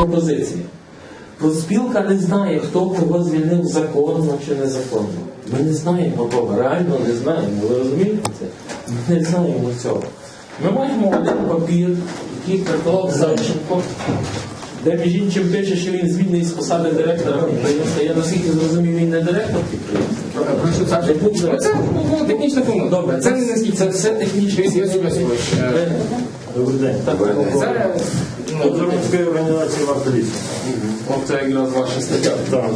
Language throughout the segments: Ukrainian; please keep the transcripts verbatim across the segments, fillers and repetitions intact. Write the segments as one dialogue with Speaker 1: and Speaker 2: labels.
Speaker 1: пропозиція. Профспілка не знає, хто кого звільнив законно чи незаконно. Ми не знаємо того, реально не знаємо. Ви розумієте це? Ми не знаємо цього. Ми маємо один папір, який приколов Савченко, де між іншим пише, що він звільнений з посади директора підприємства. Я наскільки зрозумів, він не директор підприємства.
Speaker 2: Прошу, Саша, це ну, технічна помилка.
Speaker 1: Добре, це,
Speaker 2: це,
Speaker 1: це все технічно.
Speaker 2: Йосип Йосипович, е,
Speaker 3: Добрий день.
Speaker 1: Так,
Speaker 2: це,
Speaker 3: От громадської організації «Варта лісу».
Speaker 1: Це якраз ваша стаття.
Speaker 3: Так.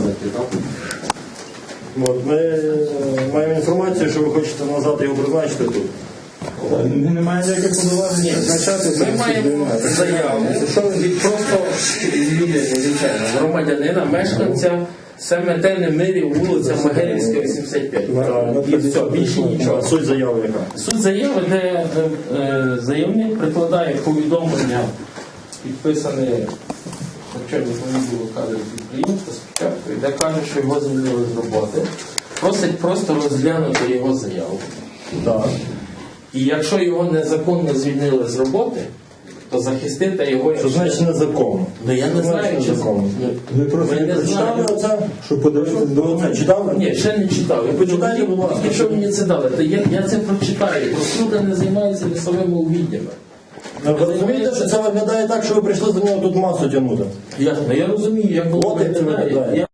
Speaker 3: От, ми маємо інформацію, що ви хочете назад його призначити тут.
Speaker 4: Немає ніяких повноважень призначати.
Speaker 1: Ми маємо заяву від просто людини, звичайно, громадянина, мешканця Семетени Мирів, вулиця Магерівська, вісімдесят п'ять. І все, більше нічого.
Speaker 3: Суть заяви яка?
Speaker 1: Суть заяви, де е, е, заявник прикладає повідомлення, підписане начальником відділу кадрів підприємства спочатку, де каже, що його звільнили з роботи. Просить просто розглянути його заяву.
Speaker 3: Так.
Speaker 1: І якщо його незаконно звільнили з роботи, то захистити його...
Speaker 3: Що значить незаконно?
Speaker 1: Ну я не знаю, чи
Speaker 3: незаконно.
Speaker 4: Ви просто
Speaker 1: Ми
Speaker 4: не
Speaker 1: не
Speaker 4: прочитали
Speaker 1: знаємо.
Speaker 4: оце, що подивитися до
Speaker 3: Ви читали?
Speaker 1: Ні, ще не читав. Я
Speaker 3: Почитайте, будь ласка.
Speaker 1: Якщо мені це дали, то я, я це прочитаю. Профспілка не займається лісовими угіднями.
Speaker 3: Ви розумієте, що це виглядає так, що ви прийшли за нього тут масу тягнути?
Speaker 1: Ясно, я розумію, як воно
Speaker 3: От як це
Speaker 1: виглядає.
Speaker 3: виглядає.
Speaker 1: Я